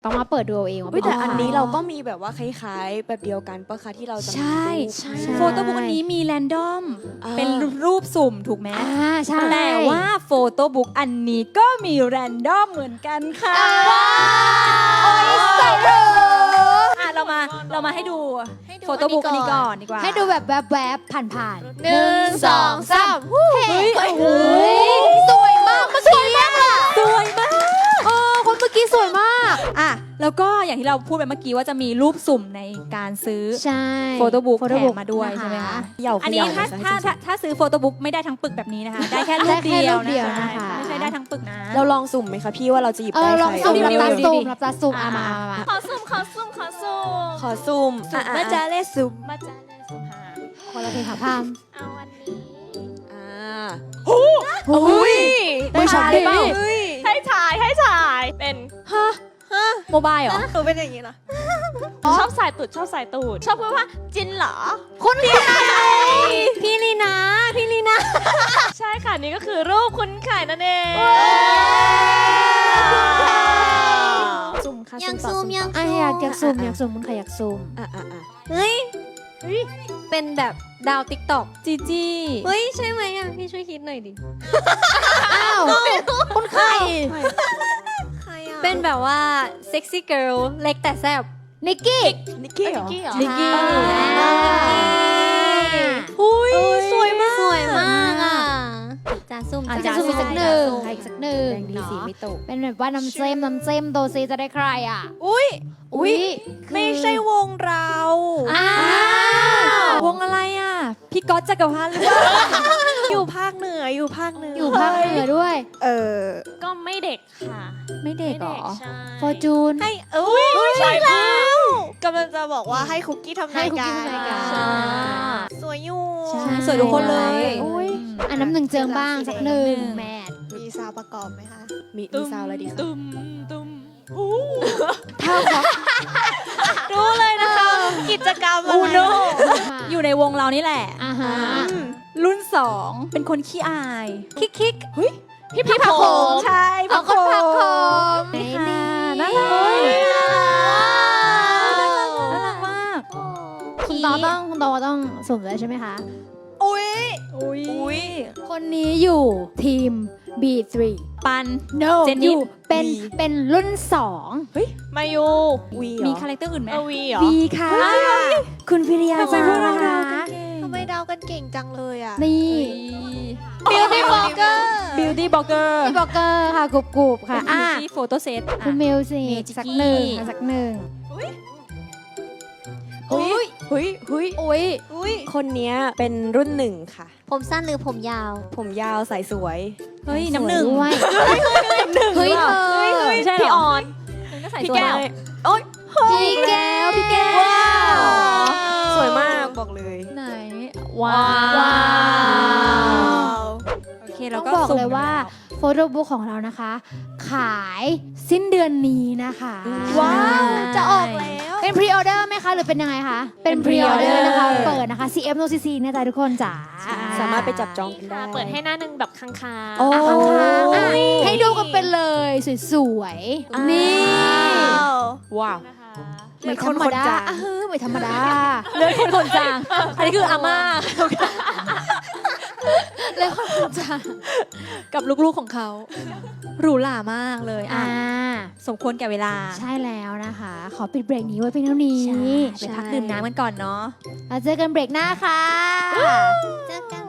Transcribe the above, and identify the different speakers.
Speaker 1: ต้องมาเปิดดูเอาเองว่า
Speaker 2: แต่อันนี้เราก็
Speaker 1: มี
Speaker 2: มีแบบว่าคล้ายๆแบบเดียวกันปะคะที่เราจะมี
Speaker 3: ใช่
Speaker 2: รูป
Speaker 3: โฟโต้บุ๊กอันนี้มีแรนดอม
Speaker 2: อ่า
Speaker 3: เป็นรูปสุ่มถูกไหม
Speaker 1: ใช่
Speaker 3: แต่ว่าโฟโต้บุ๊กอันนี้ก็มีแรนดอมเหมือนกันค่ะ
Speaker 1: โอ้ยใส่เลย
Speaker 3: อ่ะเรามาให้ดูโฟโต้บุ๊กอันนี้ก่อนดีกว่า
Speaker 1: ให้ดูแบบแวบๆผ่านๆ
Speaker 2: 1 2 3
Speaker 1: เฮ้ยโอ้ยสวยมากเมื่อกี้อะ
Speaker 3: สวยมาก
Speaker 1: คนเมื่อกี้สวยมาก
Speaker 3: อ่ะแล้วก็อย่างที่เราพูดไปเมื่อกี้ว่าจะมีรูปสุ่มในการซื้อ
Speaker 1: ใช่
Speaker 3: โฟโต้บุ๊กแถ
Speaker 1: photobook
Speaker 3: มมาด้วย
Speaker 1: นะคะ
Speaker 3: ใช่ไหมคะ
Speaker 2: เหยา
Speaker 3: อันนี้
Speaker 2: เขย่
Speaker 3: ถ้าซื้อโฟโต้บุ๊กไม่ได้ทั้งปึกแบบนี้นะคะ ได้แค่รูป
Speaker 1: ได้แค่
Speaker 3: เดียว
Speaker 1: รูปเดียว
Speaker 3: นะ
Speaker 1: นะคะ
Speaker 3: ไม่ใช่ได้ทั้งปึกนะ
Speaker 2: เราลองสุ่มไหมคะพี่ว่าเราจะหยิบได้
Speaker 1: ลอง
Speaker 2: ใคร
Speaker 1: สุ่ม
Speaker 3: เอา
Speaker 1: รับ
Speaker 3: ดิ
Speaker 1: ตา
Speaker 3: เอาดิ
Speaker 1: สุ่มรับตาสุ่ม
Speaker 3: อ่ะ
Speaker 1: มา
Speaker 4: ขอซุ่ม
Speaker 2: ขอสุ่มมาจาเล่สุ่ม
Speaker 4: มาจ้าเลยสุภา
Speaker 1: คนละเพลงค่ะพาม
Speaker 4: เอาวันนี้
Speaker 2: อ่า
Speaker 1: อุ้ย
Speaker 3: ไม่ใช่หรือเปล่า
Speaker 4: ให้ถ่ายเป็นฮะ
Speaker 3: โมบายเหรอ
Speaker 2: คือเป็นอย่างนี้นะ
Speaker 4: ชอบสายตูดชอบพูดว่าจินเหรอ
Speaker 1: คนพี่พี่ลีนาพี่ลีนา
Speaker 4: ใช่ค่ะนี่ก็คือรูปคุณไข่นั่นเองสุ่มค่ะ
Speaker 5: ยังซูมยัง
Speaker 1: อ่ะอยากซูมคุณใครอยากซูม
Speaker 2: อ่ะ
Speaker 5: เฮ้ย เป็นแบบดาวติ๊กต็อก
Speaker 3: จีจี้
Speaker 5: เฮ้ย ใช่ไหมอ่ะ พี่ช่วยคิดหน่อยดิ
Speaker 1: อ้าวคุณใคร
Speaker 5: ใครอ่ะ เป็นแบบว่าเซ็กซี่เกิร์ลเล็กแต่แซ่บ
Speaker 1: นิกกี้
Speaker 2: นิกกี้เหรอ
Speaker 3: นิกกี้
Speaker 1: อุ้ย
Speaker 5: สวยมาก สวยมากอ่ะจะซูม
Speaker 1: อาจจะ
Speaker 5: จ้า
Speaker 1: ซูมอีกสักหนึ่งอีกสักหนึ่ง
Speaker 2: แดงดีสีไม่ตก
Speaker 1: เป็นแบบว่าน้ำเจมโดซีจะได้ใครอ่ะ
Speaker 2: อุ้ย
Speaker 1: อุ้ย
Speaker 2: ไม่ใช่วงเรา
Speaker 1: อ้าว
Speaker 3: วงอะไรอ่ะ พี่ก๊อตจักรพันธ์หรือเปล่า
Speaker 2: อยู่ภาคเหนืออยู่ภาคเหนือ
Speaker 1: อยู่ภาคเหนือด้วย
Speaker 4: ก็ไม่เด็กค่ะ
Speaker 3: ไม่เด็กเหรอ
Speaker 4: ใช่
Speaker 1: ฟอร์จูน
Speaker 2: ให้อุ้ยใช่แล้วกำลังจะบอกว่าให้คุกกี้ทำ
Speaker 1: ให้
Speaker 2: ราย
Speaker 1: คุก
Speaker 2: กา
Speaker 1: กี้
Speaker 2: ร
Speaker 1: ทำรายการ
Speaker 4: ใช่
Speaker 2: สวยอยู่
Speaker 3: ใช่สวยทุกคนเลย
Speaker 1: โอ้ยอันน้ำหนึ่งเจิงบ้างสักหนึ่งแมท
Speaker 2: มีซาวประกอบไหมคะมีซาวอะไรดีคะ
Speaker 4: ตุ้ม
Speaker 1: เท่าของ
Speaker 2: รู้เลยนะคะกิจกรรมอะไร
Speaker 3: อยู่ในวงเรานี่แหละ
Speaker 1: อ่าฮะ
Speaker 3: รุ่น 2 เป็นคนขี้อาย คิก
Speaker 4: พี่ผักโขม
Speaker 3: ใช่
Speaker 1: เอาคนพักคอม
Speaker 3: นี่
Speaker 1: นี่
Speaker 3: น่ารักน่ารักมาก
Speaker 1: คุณตอต้องสุ่มด้วยใช่ไหมคะ
Speaker 2: อุ้ย
Speaker 3: อุ้ย
Speaker 1: คนนี้อยู่ทีม B3
Speaker 3: ปัน
Speaker 1: no
Speaker 3: เจนนี่
Speaker 1: อยู่เป็นรุ่น 2
Speaker 4: มายู
Speaker 2: วี
Speaker 3: มีคาแรคเตอร์อื่นไหม
Speaker 4: วีเหรอ
Speaker 1: B ค่ะ คุณพิริยา
Speaker 3: ทำไม
Speaker 1: จา
Speaker 3: พวกเรา
Speaker 1: นะ
Speaker 3: เดา
Speaker 1: คะ
Speaker 3: กันเก่ง
Speaker 2: ทำไมเดากันเก่งจังเลยอ่ะ
Speaker 1: นี่
Speaker 3: Beauty Blogger Beauty Blogger
Speaker 1: พี่บอกเกอร์ค่ะกรุบค่ะ
Speaker 3: อ่ะ
Speaker 1: อ่ะ
Speaker 3: ที่โฟโต้เซต
Speaker 1: คุณมิวสิ
Speaker 3: เมจิกกี้
Speaker 1: สักหนึ่งสักหนึ่ง
Speaker 2: อุ้ยอุ้ย
Speaker 1: อุ้ย
Speaker 2: คนเนี้ยเป็นรุ่นหนึ่งค่ะ
Speaker 5: ผมสั้นหรือผมยาว
Speaker 2: ผมยาวใส่สวย
Speaker 3: เฮ้ยน้ำหนึ่ง
Speaker 1: ด้วยเฮ้ยเธอ
Speaker 3: ไม่ใช่พี่ออนก็ใส่
Speaker 4: พี่
Speaker 3: สวย
Speaker 4: แก้ว
Speaker 1: พี่แก้วพี่แก้ว
Speaker 2: สวยมากบอกเลย
Speaker 3: ไหน ว้าว โอเค
Speaker 1: ต้
Speaker 3: เรา
Speaker 1: อง
Speaker 3: ก็
Speaker 1: บอก
Speaker 3: สุ่ม
Speaker 1: เลยว่าโฟโต้บุ๊กของเรานะคะ ขายสิ้นเดือนนี้นะคะ
Speaker 2: ว้าวจะออกแล้ว
Speaker 1: เป็นพรีออเดอร์ไหมคะ หรือเป็นยังไงคะ เป็นพรีออเดอร์นะคะ เปิดนะคะ CF No CC เนี่ยจ้ะทุกคนจ๋า
Speaker 2: สามารถไปจับจองกันได้
Speaker 4: ค่ะเปิดให้หน้าหนึ่งแบบค้าง
Speaker 2: โอ้
Speaker 1: อ่ะค้างๆอ่ะให้ดูกันเป็นเลยสวยๆ นี่
Speaker 3: ว้าว
Speaker 4: ๆนะคะ
Speaker 1: ไม่ธรรมดาไม่ธรรมดา
Speaker 3: เลือดคนจาง อันนี้คืออาม่า
Speaker 1: เลยคนจาง
Speaker 3: กับลูกๆของเขาหรูหรามากเลยอ่ะ สมควรแก่เวลา
Speaker 1: ใช่แล้วนะคะ ขอปิดเบรกนี้ไว้เพียงเท่านี้
Speaker 3: ไปพักดื่มน้ำกันก่อนเนาะ
Speaker 1: แล้วเจอกันเบรกหน้าค่ะ
Speaker 5: เจอกัน